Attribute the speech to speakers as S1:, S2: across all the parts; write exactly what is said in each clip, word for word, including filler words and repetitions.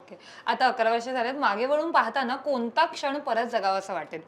S1: Okay. आता अकरा वर्ष झालेत, मागे वळून पाहताना कोणता क्षण परत जगावा असं वाटेल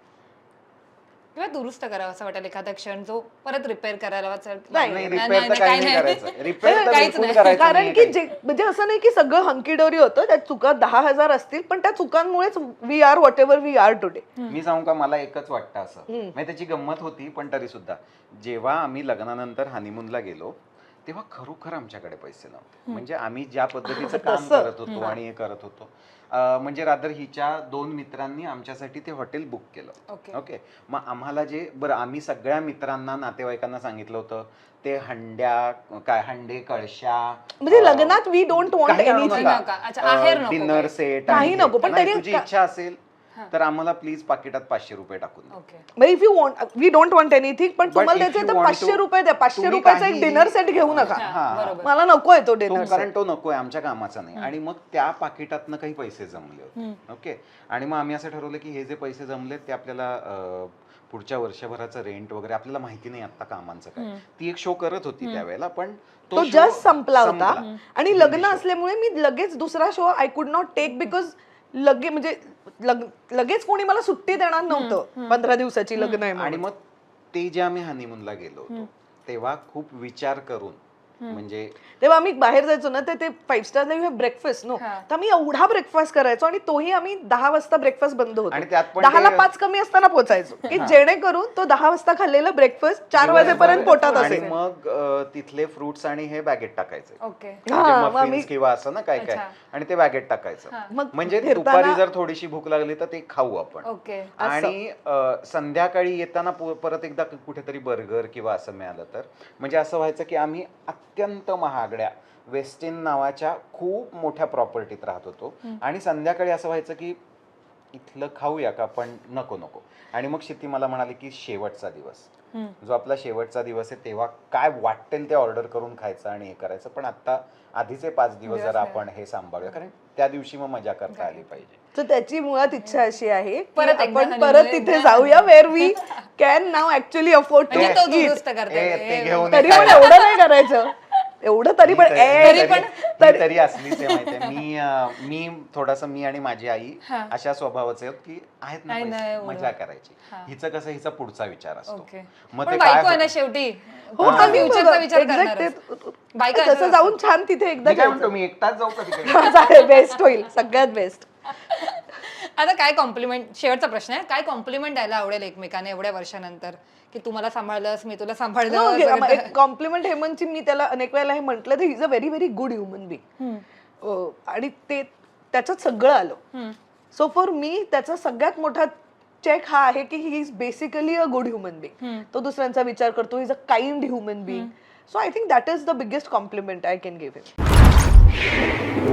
S1: किंवा दुरुस्त करावा असं वाटेल, एखादा क्षण जो परत रिपेअर करायला
S2: नाही,
S3: नाही,
S1: नाही,
S3: repair तर
S1: नाही,
S3: काही
S1: काही
S3: नाही
S1: नाही.
S3: करायचं. Repair तर
S1: काहीच
S3: बिलकुल
S1: नाही.
S3: करायचं
S2: कारण
S3: नाहीये
S2: की
S3: काही.
S2: जे म्हणजे असं नाही की सगळं हंकीडोरी होतं, त्या चुका दहा हजार असतील पण त्या चुकांमुळेच we are whatever we are today.
S3: मी सांगू का, मला एकच वाटतं असं, म्हणजे त्याची गंमत होती पण तरी सुद्धा, जेव्हा आम्ही लग्नानंतर हनीमूनला गेलो तेव्हा खरोखर आमच्याकडे पैसे नव्हते. म्हणजे आम्ही ज्या पद्धतीचं काम करत होतो आणि हे करत होतो, अं, म्हणजे रादर हिच्या दोन मित्रांनी आमच्यासाठी ते हॉटेल बुक केलं.
S1: ओके.
S3: ओके. मग आम्हाला जे बरं, आम्ही सगळ्या मित्रांना नातेवाईकांना सांगितलं होतं ते हंड्या काय हंडे कळशा
S2: म्हणजे लग्नात वी डोंट वॉन्ट
S3: काही आणू
S2: एनिथिंग.
S1: नका. अच्छा, आहेर नको
S3: डिनर
S1: काही.
S3: सेट
S2: काही नको, पण तरी
S3: तुझी
S2: का-
S3: इच्छा असेल तर आम्हाला प्लीज पाकिटात पाचशे रुपये टाकून दे.
S1: ओके.
S2: म्हणजे if you want we don't want anything, पण
S3: But
S2: तुम्हाला
S3: if
S2: द्यायचे
S3: you
S2: तर
S3: want
S2: पाचशे
S3: to-
S2: रुपये द्या. पाचशे
S3: तुम्ही
S2: रुपयाचा एक
S3: काहीही-
S2: डिनर सेट घेऊ नका.
S3: हा, हा.
S1: बरोबर.
S2: मला नकोय तो
S3: तो
S2: डिनर
S3: कारण तो नकोय, आमच्या कामाचा नाही. आणि मग त्या पाकिटातनं काही पैसे जमले होते. ओके. आणि मग आम्ही असं ठरवलं की हे जे पैसे जमलेत ते आपल्याला अं, पुढच्या वर्षभराचं रेंट वगैरे, आपल्याला माहिती नाही आता कामांचं काय. ती एक शो करत होती त्यावेळेला, पण
S2: तो
S3: show
S2: जस्ट संपला होता
S3: संपला.
S2: आणि लग्न असल्यामुळे मी लगेच दुसरा show I could not take because लगे म्हणजे लग- लगेच कोणी मला सुट्टी देणार नव्हतं. पंधरा दिवसाची लग्न आहे
S3: आणि
S2: म्हणून.
S3: मग ते जे आम्ही हनीमूनला गेलो होतो तेव्हा खूप विचार करून, म्हणजे
S2: तेव्हा आम्ही बाहेर जायचो ना, तर ते five star you have breakfast no, तर आम्ही एवढा ब्रेकफास्ट करायचो आणि तोही आम्ही दहा वाजता ब्रेकफास्ट बंद
S3: आणि त्यात
S2: होतो.
S3: पण
S2: दहाला
S3: ते-
S2: पाच कमी असताना पोहोचायचो की जेणेकरून तो दहा वाजता खाल्लेला ब्रेकफास्ट चार वाजेपर्यंत पोटात
S3: आणि
S2: असेल.
S3: मग अं, तिथले फ्रुट्स आणि हे बॅगेट टाकायचे.
S1: ओके.
S2: हा, मग
S3: म्हणजे
S2: मी-
S3: muffins किंवा असं ना काय काय,
S1: अच्छा.
S3: आणि ते बॅगेट टाकायचं.
S2: मग
S3: म्हणजे
S2: फिरताना-
S3: दुपारी जर थोडीशी भूक लागली तर ते खाऊ आपण.
S1: ओके.
S3: आणि अं, संध्याकाळी येताना पु- परत एकदा कुठेतरी बर्गर किंवा असं मिळालं तर, म्हणजे असं व्हायचं की आम्ही अत्यंत महागड्या वेस्टिन नावाच्या खूप मोठ्या प्रॉपर्टीत राहत होतो आणि संध्याकाळी असं व्हायचं की इथलं खाऊया का, पण नको नको. आणि मग शिती मला म्हणाली की शेवटचा दिवस, जो आपला शेवटचा दिवस आहे तेव्हा काय वाटेल ते ऑर्डर करून खायचं आणि हे करायचं, पण आता आधीचे पाच दिवस जर आपण हे सांभाळूया, कारण त्या दिवशी मग मजा करता आली पाहिजे.
S2: तर त्याची मुळात इच्छा अशी आहे की
S1: परत एकदा
S2: आपण
S1: honeymoon
S2: परत
S1: ला
S2: तिथे
S1: एकदा.
S2: जाऊया where we can now actually afford to
S1: म्हणजे तो
S2: ईट.
S1: दुरुस्त करता
S3: ए,
S1: येईल.
S3: ते घेऊन
S2: तरी
S3: ये
S2: पण
S3: काय.
S2: एवढं नाही करायचं, एवढं तरी पण
S3: मी
S2: ए,
S3: तरी-
S1: पण-
S3: मी तरी असलीच आहे माहितीये. मी अं, मी थोडासा, मी आणि माझी आई अशा स्वभावाचे आहोत की आहेत ना
S1: नाही, नाही,
S3: पैसे,
S1: एवढं.
S3: मजा करायची. हिचं कसं, हिचा पुढचा विचार असतो.
S1: ओके.
S3: मग
S1: पण
S3: ते
S1: बायको आहे
S3: काय
S1: ना शेवटी.
S2: हो,
S1: हा,
S2: आम्ही
S1: future चा विचार
S2: exact
S1: करणारच.
S2: ते-
S1: बायका
S2: तसं
S1: असंच
S2: जाऊन छान तिथे एकदा
S3: मी काय म्हणतो, मी एकटाच जाऊ का तिकडे?
S2: बेस्ट होईल, सगळ्यात बेस्ट.
S1: आता काय कॉम्प्लिमेंट, शेवटचा प्रश्न आहे, काय कॉम्प्लिमेंट द्यायला आवडेल एकमेकांना एवढ्या वर्षानंतर, की तुम्हाला सांभाळलंस, मी तुला सांभाळलं सगळं.
S2: एक कॉम्प्लिमेंट हेमंतची मी त्याला अनेक वेळेला हे म्हटलं, तर is a very very good human being. आणि ते त्याच्यात सगळं आलं. सो फॉर मी त्याचा सगळ्यात मोठा चेक हा आहे की he is basically a good human being. तो दुसऱ्यांचा विचार करतो, is a kind human being. So I think that is the biggest compliment I can give him.